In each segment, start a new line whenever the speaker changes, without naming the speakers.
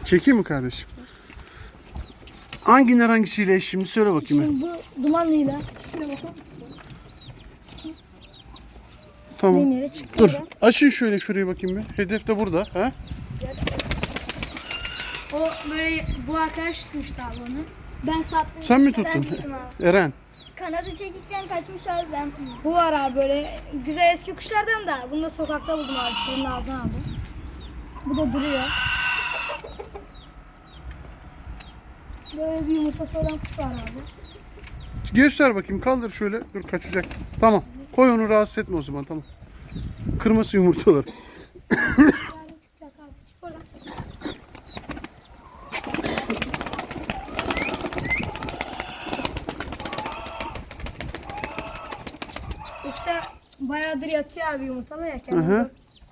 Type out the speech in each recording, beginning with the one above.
Çekeyim mi kardeşim? Hangisiyle eş şimdi söyle bakayım.
Şimdi bu dumanlıyla. Şuraya bakın.
Tamam.
Yere çıktı
Dur.
biraz.
Açın şöyle şuraya bakayım bir. Hedef de burada. Ha?
O böyle bu arkadaş tutmuştu abi onu. Ben sattım.
Sen mi
Ben
tuttun?
tuttum abi.
Eren.
Kanadı çekikken kaçmış abi ben.
Bu var abi böyle güzel eski kuşlardan da. Bunu da sokakta buldum abi. Bunun ağzına aldım. Bu da duruyor. Böyle bir yumurtası olan kuş var abi.
Göster bakayım. Kaldır şöyle. Dur kaçacak. Tamam. Koy onu rahatsız etme o zaman. Tamam. Kırması yumurtaları.
Çıkacak abi. Çık oradan. İşte bayağıdır yatıyor abi yumurtalarken.
Hı hı.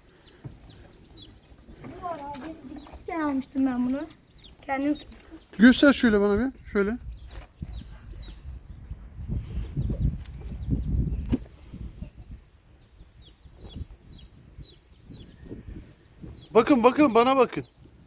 Bu var abi. Küçükken almıştım ben bunu. Kendim
Göster şöyle bana bir. Şöyle. Bakın bakın bana bakın.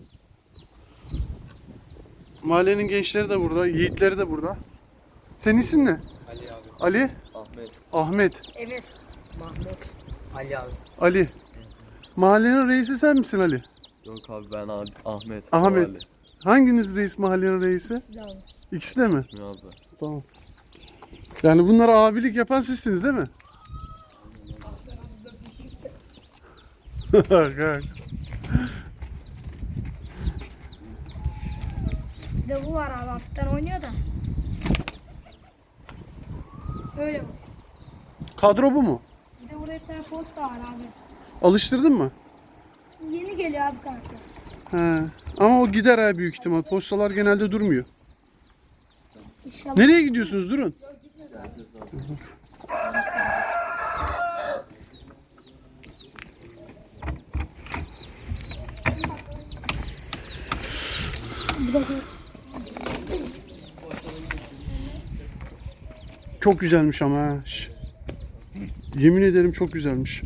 Mahallenin gençleri de burada, yiğitleri de burada. Senin isim ne?
Ali abi.
Ali?
Ahmet.
Ahmet.
Emir.
Mahmut. Ali abi.
Ali. Mahallenin reisi sen misin Ali?
Yok abi ben abi. Ahmet.
Ahmet.
O Ali.
Hanginiz reis mahallenin reisi? İkisi de mi?
İsmi abi.
Tamam. Yani bunlara abilik yapan sizsiniz değil mi? Kalk.
Bir de bu var abi hafiften oynuyor da. Öyle bu.
Kadro bu mu?
Bir de burada bir tane posta var abi.
Alıştırdın mı?
Yeni geliyor abi kanka.
He. Ama o gider ha büyük ihtimal. Postalar genelde durmuyor.
İnşallah.
Nereye gidiyorsunuz? Durun. Çok güzelmiş ama ha. Şş. Yemin ederim çok güzelmiş.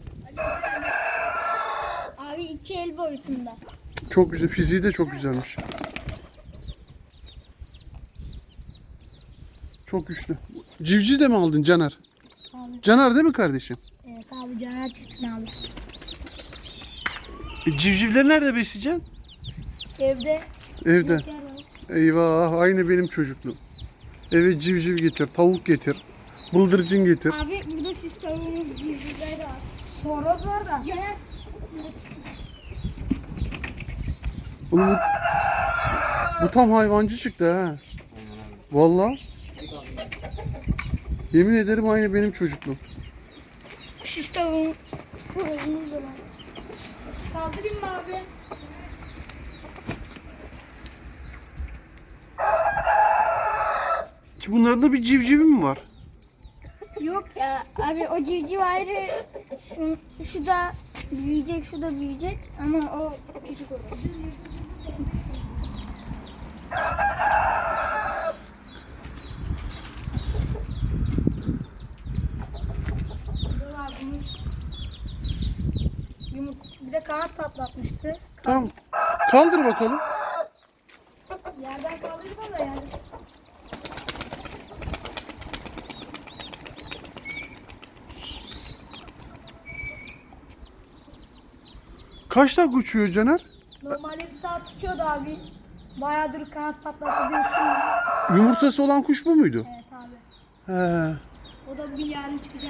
Abi 2 el boyutunda.
Çok güzel. Fiziği de çok güzelmiş. Çok güçlü. Civciv de mi aldın Caner?
Abi.
Caner değil mi kardeşim?
Evet abi Caner Çetin abi.
Civcivleri nerede besleyeceksin?
Evde
Evde.
yer var.
Eyvah aynı benim çocukluğum. Eve civciv getir, tavuk getir, bıldırcın getir.
Abi burada sis tavuğumuz civcivler de var.
Horoz var da.
Caner
Oğlum bu tam hayvancı çıktı ha. Vallahi. Yemin ederim aynı benim çocukluğum.
sis tavuğumuz da var.
Kaldırayım mı abi?
Ki bunların da bir civcivi mi var?
Yok ya abi o civciv ayrı. Şu da büyüyecek, şu da büyüyecek ama o küçük olur.
Burada var bunun. Bir de kanat patlatmıştı.
Tamam. Kaldır bakalım.
Yerden kaldırdım ama yani.
Kaç dakika uçuyor Caner?
Normalde bir saat tutuyordu abi. Bayağıdır kanat patlattı diye uçuyor.
Yumurtası olan kuş bu muydu?
Evet abi.
He.
O da bir yarın çıkacak.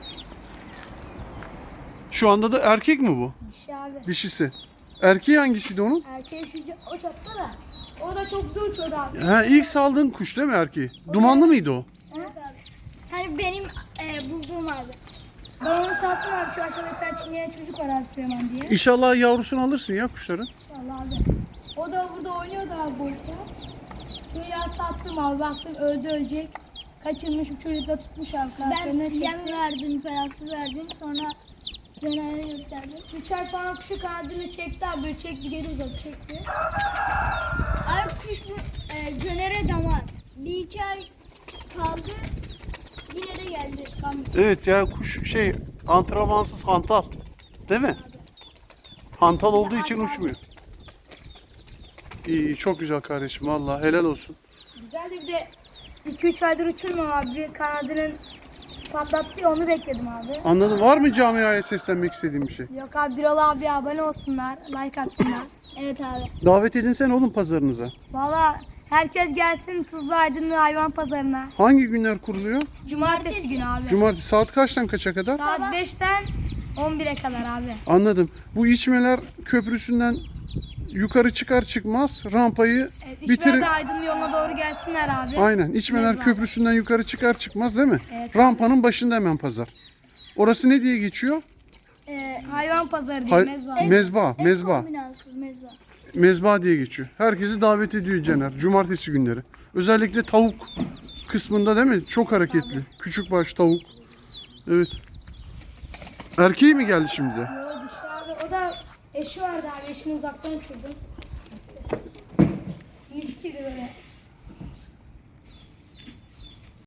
Şu anda da erkek mi bu?
Dişi abi.
Dişisi. Erkeği hangisiydi onun?
Erkeği şu o çatta da. O da çok güzel uçuyordu abi.
Ha, ilk saldığın kuş değil mi erkeği? Dumanlı mıydı o?
Evet abi. Hani benim bulduğum abi.
Ben onu sattım abi. Şu aşağıda bir tane çingene çocuk var abi Süleyman diye.
İnşallah yavrusunu alırsın ya kuşların.
İnşallah abi. O da burada oynuyordu abi boyutta. Şöyle ya sattım abi. Baktım öldü ölecek. Kaçırmış bir çocuk da tutmuş abi.
Ben
Kanatlarına
yem
çekti.
verdim, parası verdim. Sonra Caner'e gösterdim.
3 ay falan kuşu kanadını çekti abi. Böyle çekti geri uzadı çekti.
Abi kuş bu Caner'e damar. 1-2 ay kaldı. Yine de geldi.
Evet ya kuş antrenmansız hantal. Değil mi? Hantal olduğu için uçmuyor. İyi, çok güzel kardeşim. Vallahi helal olsun.
Güzel de bir de 2-3 aydır uçurmam abi. Bir kanadının patlattı ya, onu bekledim abi.
Anladım. Var mı camiaya seslenmek istediğin bir şey?
Yok abi, Birol abi abone olsunlar, like atsınlar.
Evet abi.
Davet edinsene oğlum pazarınıza.
Valla herkes gelsin Tuzla Aydınlı Hayvan Pazarına.
Hangi günler kuruluyor?
Cumartesi günü abi.
Cumartesi saat kaçtan kaça kadar?
Saat 5'ten 11'e kadar abi.
Anladım. Bu İçmeler Köprüsü'nden yukarı çıkar çıkmaz rampayı
Evet,
bitir.
İçmer de Aydınlı yoluna doğru gelsinler abi.
Aynen. İçmeler
Mezba.
Köprüsü'nden yukarı çıkar çıkmaz değil mi?
Evet.
Rampanın başında hemen pazar. Orası ne diye geçiyor?
Hayvan Pazarı diye
Hay-
mezba.
Mezba,
En
mezba.
kombinasız mezba.
Mezba diye geçiyor. Herkesi davet ediyor Caner. Cumartesi günleri. Özellikle tavuk kısmında değil mi? Çok hareketli. Küçük baş tavuk. Evet. Erkeği mi geldi şimdi de?
Yo, dişli abi. O da eşi vardı abi. Eşini uzaktan uçurdum. 100 kilo böyle.